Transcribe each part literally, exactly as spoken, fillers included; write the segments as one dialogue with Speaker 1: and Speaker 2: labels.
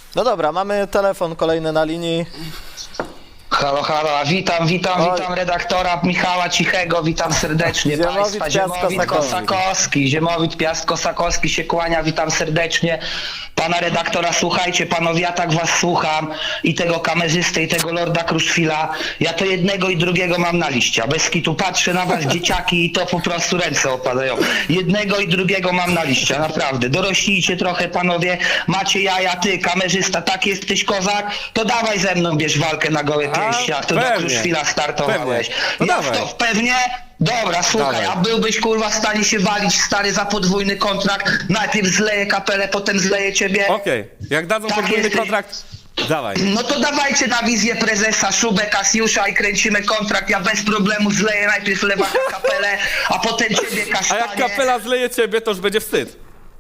Speaker 1: No dobra, mamy telefon kolejny na linii.
Speaker 2: Halo, halo, witam, witam,
Speaker 1: Oj.
Speaker 2: witam redaktora Michała Cichego, witam serdecznie
Speaker 1: Ziemowit
Speaker 2: Państwa. Ziemowit
Speaker 1: Piast-Kosakowski.
Speaker 2: Kosakowski, Ziemowit Piast-Kosakowski się kłania, witam serdecznie. Pana redaktora, słuchajcie panowie, ja tak was słucham i tego kamerzysty, i tego Lorda Kruszwila. Ja to jednego i drugiego mam na liście, a bez kitu patrzę na was dzieciaki i to po prostu ręce opadają. Jednego i drugiego mam na liście, naprawdę. Doroślijcie trochę panowie, macie jaja, ty kamerzysta, tak jesteś kozak, to dawaj ze mną bierz walkę na gołe pięści, jak to do
Speaker 3: pewnie.
Speaker 2: Kruszwila startowałeś.
Speaker 3: Pewnie. No
Speaker 2: Ja
Speaker 3: dawaj.
Speaker 2: w to pewnie? Dobra, słuchaj,
Speaker 3: Dawaj.
Speaker 2: a byłbyś kurwa w stanie się walić stary za podwójny kontrakt, najpierw zleję kapelę, potem zleję ciebie?
Speaker 3: Okej, jak dadzą
Speaker 2: Tak
Speaker 3: podwójny
Speaker 2: jesteś.
Speaker 3: kontrakt, dawaj.
Speaker 2: No to dawajcie na wizję prezesa Szubę, Kasiusza i kręcimy kontrakt, ja bez problemu zleję najpierw lewaka kapelę, a potem ciebie
Speaker 3: A
Speaker 2: kasztanie.
Speaker 3: jak kapela zleje ciebie, to już będzie wstyd.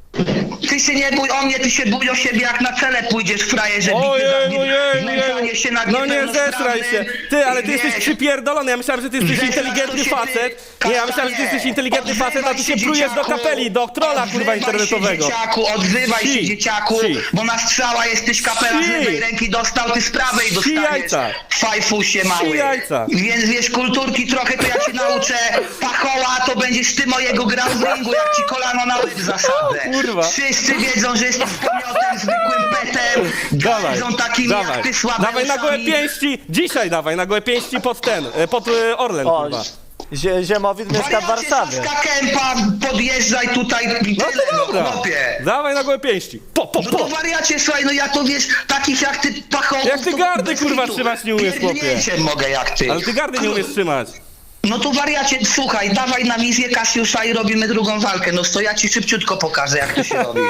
Speaker 2: Ty się nie bój o mnie, ty się bój o siebie, jak na cele pójdziesz, frajerze,
Speaker 3: Ojej,
Speaker 2: bity za
Speaker 3: ojej,
Speaker 2: znęcanie
Speaker 3: ojej.
Speaker 2: się nad
Speaker 3: No nie zesraj się. Ty, ale ty
Speaker 2: Wiesz,
Speaker 3: jesteś przypierdolony. Ja myślałem, że ty jesteś
Speaker 2: Zesraj
Speaker 3: inteligentny
Speaker 2: to się, ty,
Speaker 3: facet. Nie, ja myślałem, że ty jesteś inteligentny facet, a ty się
Speaker 2: Odzywaj
Speaker 3: plujesz do
Speaker 2: dzieciaku.
Speaker 3: kapeli, do trolla kurwa
Speaker 2: Odzywaj
Speaker 3: internetowego.
Speaker 2: Się, dzieciaku, odzywaj
Speaker 3: Si,
Speaker 2: się dzieciaku,
Speaker 3: si.
Speaker 2: bo na strzała jesteś kapela z
Speaker 3: Si.
Speaker 2: lewej ręki dostał, ty z prawej
Speaker 3: Si
Speaker 2: dostaniesz.
Speaker 3: jajca.
Speaker 2: Fajfusie mały.
Speaker 3: Si jajca.
Speaker 2: Więc wiesz, kulturki trochę to ja cię nauczę. Pachoła to będziesz ty mojego grał w ringu, jak ci kolano na łeb zasadzę.
Speaker 3: O, kurwa.
Speaker 2: Wszyscy wiedzą, że jesteś pomiotem, zwykłym petem.
Speaker 3: Dawaj,
Speaker 2: Wiedzą takimi
Speaker 3: dawaj,
Speaker 2: jak ty słabe
Speaker 3: dawaj na gołe pięści, dzisiaj dawaj na gołe pięści pod ten, e, pod e, Orlen
Speaker 1: O,
Speaker 3: kurwa.
Speaker 1: Zie Ziemowit mieszka w Warszawie.
Speaker 2: Saska Kępa, podjeżdżaj tutaj i
Speaker 3: No
Speaker 2: tyle,
Speaker 3: to dobra,
Speaker 2: no chłopie.
Speaker 3: dawaj na gołe pięści. Po, po,
Speaker 2: No to
Speaker 3: po.
Speaker 2: wariacie, słuchaj, no ja to wiesz, takich jak ty pachołków...
Speaker 3: Jak ty
Speaker 2: to
Speaker 3: gardy,
Speaker 2: bez
Speaker 3: kurwa,
Speaker 2: kitu.
Speaker 3: trzymać nie umiesz, chłopie.
Speaker 2: Pierdnięciem mogę jak ty.
Speaker 3: Ale ty gardy nie umiesz trzymać.
Speaker 2: No to wariacie, słuchaj, dawaj na wizję Kasiusza i robimy drugą walkę. No to ja ci szybciutko pokażę, jak to się robi.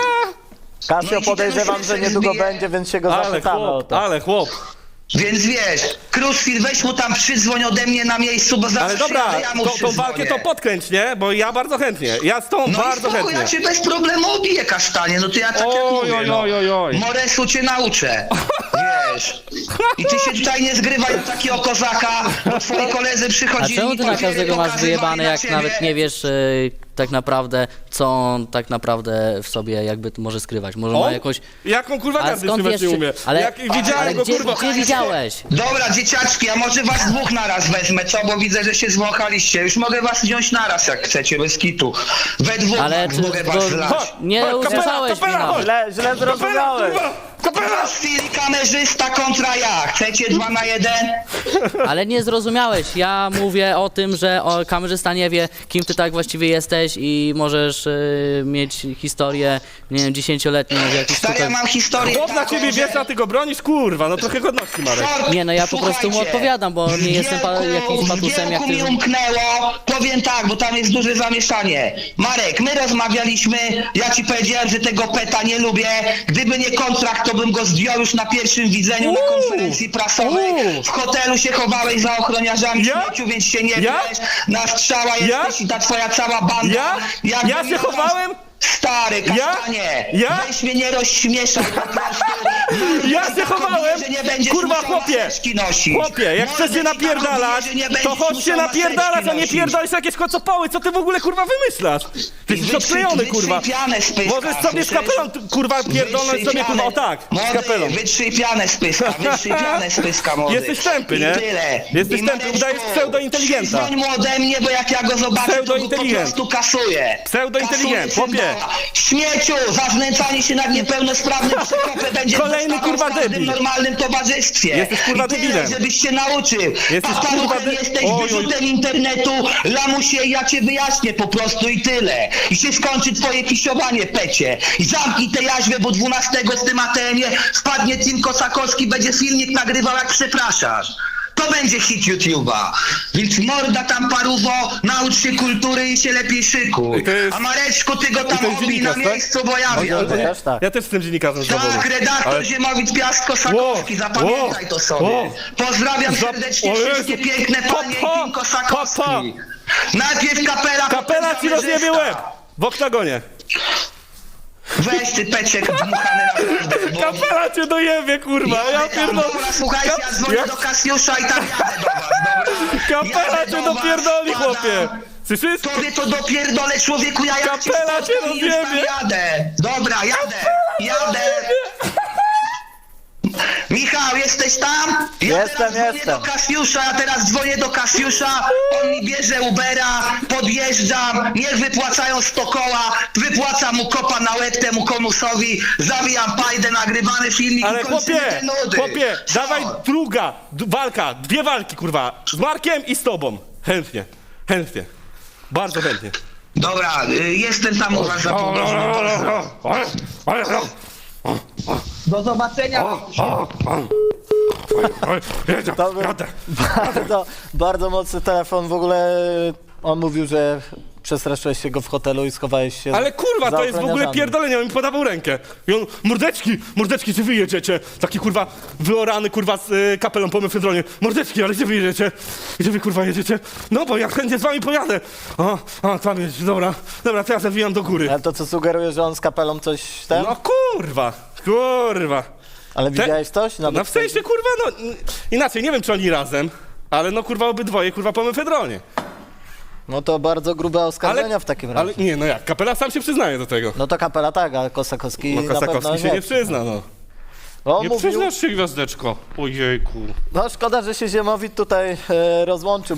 Speaker 2: No
Speaker 1: Kasio,
Speaker 2: i ci
Speaker 1: podejrzewam,
Speaker 2: ten
Speaker 1: że niedługo
Speaker 2: zbije.
Speaker 1: będzie, więc się go
Speaker 3: Ale
Speaker 1: zapytamy o
Speaker 3: chłop,
Speaker 1: to.
Speaker 3: ale chłop.
Speaker 2: Więc wiesz, Kruszwil, weź mu tam przydzwoń ode mnie na miejscu, bo zaraz
Speaker 3: Ale dobra,
Speaker 2: przyjadę, ja mu
Speaker 3: tą, tą
Speaker 2: przydzwonię.
Speaker 3: walkę to podkręć, nie? Bo ja bardzo chętnie. Ja z tą
Speaker 2: No
Speaker 3: bardzo
Speaker 2: i spoko,
Speaker 3: chętnie.
Speaker 2: ja cię bez problemu obiję, kasztanie, no to ja tak jak
Speaker 3: Oj,
Speaker 2: mówię,
Speaker 3: oj,
Speaker 2: no.
Speaker 3: oj, oj, oj.
Speaker 2: Moresu cię nauczę, wiesz. I ty się tutaj nie zgrywaj do takiego kozaka, bo twoi koledzy
Speaker 4: A
Speaker 2: przychodzili...
Speaker 4: czemu ty na
Speaker 2: powiedzieli,
Speaker 4: każdego masz
Speaker 2: pokazywali
Speaker 4: wyjebane,
Speaker 2: na
Speaker 4: jak
Speaker 2: ciebie?
Speaker 4: nawet nie wiesz e, tak naprawdę, co on tak naprawdę w sobie jakby może skrywać? Może ma
Speaker 3: On?
Speaker 4: jakąś...
Speaker 3: Jaką kurwa
Speaker 4: Ale
Speaker 3: gardy
Speaker 4: skąd
Speaker 3: trzymać
Speaker 4: wiesz,
Speaker 3: nie
Speaker 4: czy-
Speaker 3: umie?
Speaker 4: ale-
Speaker 3: Jak widziałem
Speaker 4: Ale
Speaker 3: go
Speaker 4: gdzie,
Speaker 3: kurwa...
Speaker 4: gdzie widziałeś?
Speaker 2: Dobra, dzieciaczki, a może was dwóch naraz wezmę, co? Bo widzę, że się zwąchaliście. Już mogę was wziąć naraz, jak chcecie, bez kitu. We dwóch
Speaker 4: Ale
Speaker 2: max
Speaker 4: czy-
Speaker 2: mogę was
Speaker 4: to-
Speaker 2: zlać.
Speaker 3: Chodź,
Speaker 4: Nie
Speaker 3: chodź, kapela,
Speaker 4: usłyszałeś mnie
Speaker 3: kapela,
Speaker 4: nawet.
Speaker 3: chodź.
Speaker 1: Źle, źle zrozumiałeś.
Speaker 3: Kurwa, kapela!
Speaker 2: Chwili kamerzysta kontra ja. Chcecie dwa na jeden?
Speaker 4: Ale nie zrozumiałeś. Ja mówię o tym, że o, kamerzysta nie wie, kim ty tak właściwie jesteś i możesz e, mieć historię, nie wiem, dziesięcioletnią w jakichś
Speaker 2: Stary,
Speaker 4: tutaj...
Speaker 2: ja mam historię
Speaker 3: Chłop na
Speaker 2: taką,
Speaker 3: ciebie
Speaker 2: że-
Speaker 3: wiesz, a ty go bronisz? Kurwa, no trochę godności, Marek.
Speaker 2: Short,
Speaker 4: Nie, no ja po prostu mu
Speaker 2: słuchajcie,
Speaker 4: odpowiadam, bo nie
Speaker 2: w
Speaker 4: jestem pa-
Speaker 2: Wielku-
Speaker 4: jakimś patusem, jak
Speaker 2: w
Speaker 4: ty-
Speaker 2: Wielku mi umknęło, powiem tak, bo tam jest duże zamieszanie. Marek, my rozmawialiśmy, ja ci powiedziałem, że tego peta nie lubię. Gdyby nie kontrakt, to bym go zdjął już na pierwszym widzeniu na
Speaker 3: Uuu,
Speaker 2: konferencji prasowej.
Speaker 3: uuu.
Speaker 2: W hotelu się chowałeś za ochroniarzami
Speaker 3: Ja?
Speaker 2: śmieciu, więc się nie
Speaker 3: Ja?
Speaker 2: wiesz. Na strzała
Speaker 3: Ja?
Speaker 2: jesteś i ta twoja cała banda.
Speaker 3: Ja?
Speaker 2: Jakbym
Speaker 3: Ja się
Speaker 2: miał tam-
Speaker 3: chowałem?
Speaker 2: Stary,
Speaker 3: Ja?
Speaker 2: kasztanie,
Speaker 3: Ja?
Speaker 2: weź mnie nie rozśmieszaj po prostu.
Speaker 3: Ja się chowałem?
Speaker 2: Że nie będziesz
Speaker 3: Kurwa,
Speaker 2: musiał
Speaker 3: chłopie!
Speaker 2: maseczki nosić.
Speaker 3: Chłopie, jak
Speaker 2: Mordę
Speaker 3: chcesz się
Speaker 2: ci tak
Speaker 3: napierdalać,
Speaker 2: robię, że nie
Speaker 3: to
Speaker 2: będziesz
Speaker 3: chodź się
Speaker 2: musiał
Speaker 3: napierdalać, a nie
Speaker 2: maseczki
Speaker 3: pierdolisz jakieś kocopoły. Co ty w ogóle kurwa wymyślasz? Ty jesteś
Speaker 2: Wytrzyj-
Speaker 3: odklejony, kurwa.
Speaker 2: wytrzyj pianę z pyska,
Speaker 3: Możesz sobie z
Speaker 2: słyszysz?
Speaker 3: kapelą, tu, kurwa, pierdolnąć
Speaker 2: Wytrzyj
Speaker 3: sobie, kurwa, o
Speaker 2: pianę.
Speaker 3: tak, z
Speaker 2: Młody,
Speaker 3: kapelą.
Speaker 2: wytrzyj pianę z pyska, wytrzyj pianę z pyska, młody.
Speaker 3: Jesteś tępy,
Speaker 2: I
Speaker 3: nie?
Speaker 2: tyle.
Speaker 3: Jesteś
Speaker 2: I
Speaker 3: tępy,
Speaker 2: Mareczku,
Speaker 3: udajesz pseudointeligenta.
Speaker 2: przyzwoń mu ode mnie, bo jak ja go zobaczę, to go po
Speaker 3: Pseudointeligent.
Speaker 2: prostu kasuję.
Speaker 3: Pseudointeligent,
Speaker 2: Kasuję
Speaker 3: chłopie.
Speaker 2: cymbała. Śmieciu, za znęcanie się nad niepełnosprawnym przekopem będzie
Speaker 3: Kolejny,
Speaker 2: dostawał
Speaker 3: kurwa,
Speaker 2: w każdym
Speaker 3: debil.
Speaker 2: normalnym towarzystwie.
Speaker 3: Jesteś, kurwa,
Speaker 2: I tyle,
Speaker 3: debilem.
Speaker 2: żebyś się nauczył.
Speaker 3: Jesteś,
Speaker 2: Paparuchem
Speaker 3: kurwa, de-
Speaker 2: jesteś,
Speaker 3: Oj, oj.
Speaker 2: wyrzutem internetu, lamusie, ja cię wyjaśnię po prostu i tyle. I się skończy twoje kisiowanie, pecie. I zamknij tę jaźwę, bo dwunastego w tym A T M-ie wpadnie Tim Kosakowski, będzie filmik nagrywał, jak przepraszasz. To będzie hit YouTube'a. Więc morda tam paruwo, naucz się kultury i się lepiej szykuj.
Speaker 3: I to jest-
Speaker 2: A Mareczku, ty go
Speaker 3: to
Speaker 2: tam
Speaker 3: jest
Speaker 2: obij na
Speaker 3: dziennikarz, tak?
Speaker 2: miejscu, bo ja
Speaker 1: Ja
Speaker 2: wiem.
Speaker 1: też tak.
Speaker 3: Ja też jestem dziennikarzem z zawodu.
Speaker 2: Tak, redaktor
Speaker 3: Ale-
Speaker 2: Ziemowit Piast-Kosakowski,
Speaker 3: Ło,
Speaker 2: zapamiętaj
Speaker 3: ło,
Speaker 2: to sobie.
Speaker 3: ło.
Speaker 2: Pozdrawiam
Speaker 3: Za-
Speaker 2: serdecznie
Speaker 3: o Jezu.
Speaker 2: wszystkie piękne panie
Speaker 3: Pa, pa,
Speaker 2: i Tim Kosakowski.
Speaker 3: pa,
Speaker 2: Najpierw kapela,
Speaker 3: Kapela
Speaker 2: potem
Speaker 3: ci rozjebie
Speaker 2: kamerzysta.
Speaker 3: łeb! W oktagonie.
Speaker 2: Weź ty peciek dmuchany naprawdę, bo...
Speaker 3: Kapela cię dojebie, kurwa, ja pierdolę.
Speaker 2: Dobra, słuchajcie, ja dzwonię
Speaker 3: Jak-
Speaker 2: do Kasiusza i tam jadę do was, dobra?
Speaker 3: Kapela
Speaker 2: Jadę
Speaker 3: cię
Speaker 2: do was,
Speaker 3: dopierdoli,
Speaker 2: wpadam.
Speaker 3: chłopie. Słyszysz?
Speaker 2: Tobie to dopierdolę, człowieku, ja jak cię
Speaker 3: Kapela cię
Speaker 2: spotkam i już tam
Speaker 3: rozjebie.
Speaker 2: jadę. Dobra, jadę, jadę. jesteś tam? Ja
Speaker 1: Jestem,
Speaker 2: teraz dzwonię
Speaker 1: jestem.
Speaker 2: do Kasiusza, ja teraz dzwonię do Kasiusza, on mi bierze Ubera, podjeżdżam, niech wypłacają sto koła, wypłacam mu kopa na łeb temu komusowi, zawijam pajdę, nagrywany filmik
Speaker 3: Ale
Speaker 2: i kończymy
Speaker 3: chłopie,
Speaker 2: te nudy.
Speaker 3: chłopie,
Speaker 2: Co?
Speaker 3: dawaj druga d- walka, dwie walki, kurwa, z Markiem i z tobą. Chętnie, chętnie, bardzo chętnie.
Speaker 2: Dobra, y, jestem tam u was za pół godziny. Do zobaczenia.
Speaker 1: To był bardzo, bardzo mocny telefon. W ogóle on mówił, że przestraszyłeś się go w hotelu i schowałeś się
Speaker 3: Ale kurwa,
Speaker 1: za
Speaker 3: to jest w ogóle
Speaker 1: ochroniarzami.
Speaker 3: pierdolenie, on mi podawał rękę. I on, mordeczki, mordeczki, czy wy jedziecie? Taki kurwa wyorany kurwa z y, kapelą po mefedronie. Mordeczki, ale gdzie wy jedziecie? Gdzie wy kurwa jedziecie? No bo ja chętnie z wami pojadę. O, a tam jest, dobra, dobra, to ja zawijam do góry.
Speaker 1: Ale to co sugeruje, że on z kapelą coś ten?
Speaker 3: No kurwa, kurwa.
Speaker 1: Ale widziałeś coś?
Speaker 3: No w sensie kurwa, no n- inaczej, nie wiem czy oni razem, ale no kurwa obydwoje kurwa po mefedronie.
Speaker 1: No to bardzo grube oskarżenia w takim razie.
Speaker 3: Ale nie, no jak, kapela sam się przyznaje do tego.
Speaker 1: No to kapela tak, a Kosakowski
Speaker 3: No
Speaker 1: na pewno
Speaker 3: Kosakowski się nie przyzna, no.
Speaker 1: On
Speaker 5: Nie
Speaker 1: mówił,
Speaker 5: przyznasz się, gwiazdeczko. Ojejku.
Speaker 1: no szkoda, że się Ziemowit tutaj e, rozłączył.